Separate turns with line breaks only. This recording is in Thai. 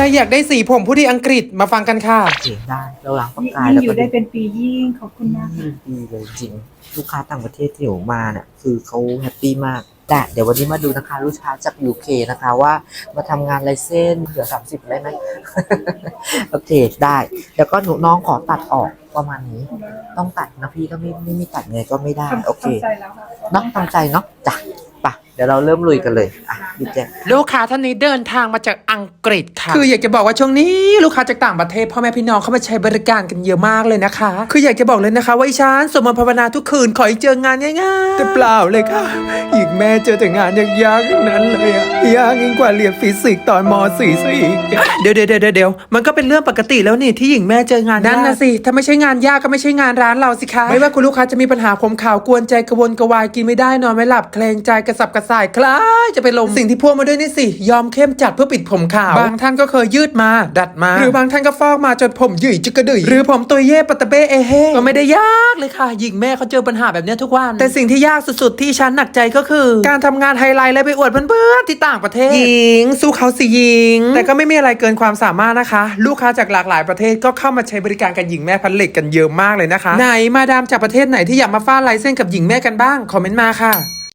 อยากได้สีผมผู้ดีอังกฤษมาฟังกันค่ะ
โอเคได้เราล้างปากกา
ยิ่ง
แล้ว
อ
ก็
ยู่ได้เป็นปียิ่งขอบคุณมากค่ะ
ดีเลยจริงลูกค้าต่างประเทศที่หนูมาเนี่ยคือเขาแฮปปี้มากแต่เดี๋ยววันนี้มาดูนะคะลูกค้าจาก UK นะคะว่ามาทำงานลายเส้นเหลือ30ได้ไหม โอเคได้แล้วก็หนูน้องขอตัดออกประมาณนี้ต้องตัดนะพี่ก็ไม่ตัดไงก็ไม่ได้โอเค
ทำใจแล้วค่ะ
เนาะตั้งใจเนาะจ้ะไปเดี๋ยวเราเริ่มลุยกันเลยอ่ะพี่แจ๊ค
ลูกค้าท่านนี้เดินทางมาจากอังกฤษค่ะคืออยากจะบอกว่าช่วงนี้ลูกค้าจากต่างประเทศพ่อแม่พี่น้องเข้ามาใช้บริการกันเยอะมากเลยนะคะคืออยากจะบอกเลยนะคะว่าอีฉันสวดมนต์ภาวนาทุกคืนขอให้เจองานง่ายๆแต่เปล่าเลยค่ะอีกแม่เจอแต่งานยากๆทั้งนั้นเลยอะยากยิ่งกว่าเรียนฟิสิกส์ตอนม .4 ซะอีกเดี๋ยวมันก็เป็นเรื่องปกติแล้วนี่ที่หญิงแม่เจองานนั่นนะสิถ้าไม่ใช่งานยากก็ไม่ใช่งานร้านเราสิคะไม่ว่าคุณลูกค้าจะมีปัญหาขมข่าวกวนใจกระวนกระวายกินไม่ได้นอนไม่หลับเคลงใจกระสับกระส่ายคล้ายจะไปลมสิ่งที่พ่วงมาด้วยนี่สิยอมเข้มจัดเพื่อปิดผมขาวบางท่านก็เคยยืดมาดัดมาหรือบางท่านก็ฟอกมาจนผมหยิ่ยจึกกระดือยหรือผมตัวเย่ปะตะเบ้เอเฮก็ไม่ได้ยากเลยค่ะหญิงแม่เขาเจอปัญหาแบบนี้ทุกวันแต่สิ่งที่ยากสุดๆที่ฉันหนักใจก็คือการทำงานไฮไลท์และไปอวดเพื่อนๆที่ต่างประเทศหญิงสู้เขาสิหญิงแต่ก็ไม่มีอะไรเกินความสามารถนะคะ ลูกค้าจากหลากหลายประเทศก็เข้ามาใช้บริการกับหญิงแม่พันเหล็กกันเยอะมากเลยนะคะไหนมาดามจากประเทศไหนที่อยากมาฟาดลายเส้นกับหญิงแม่กันบ้างคอมเมนต์มาค่ะ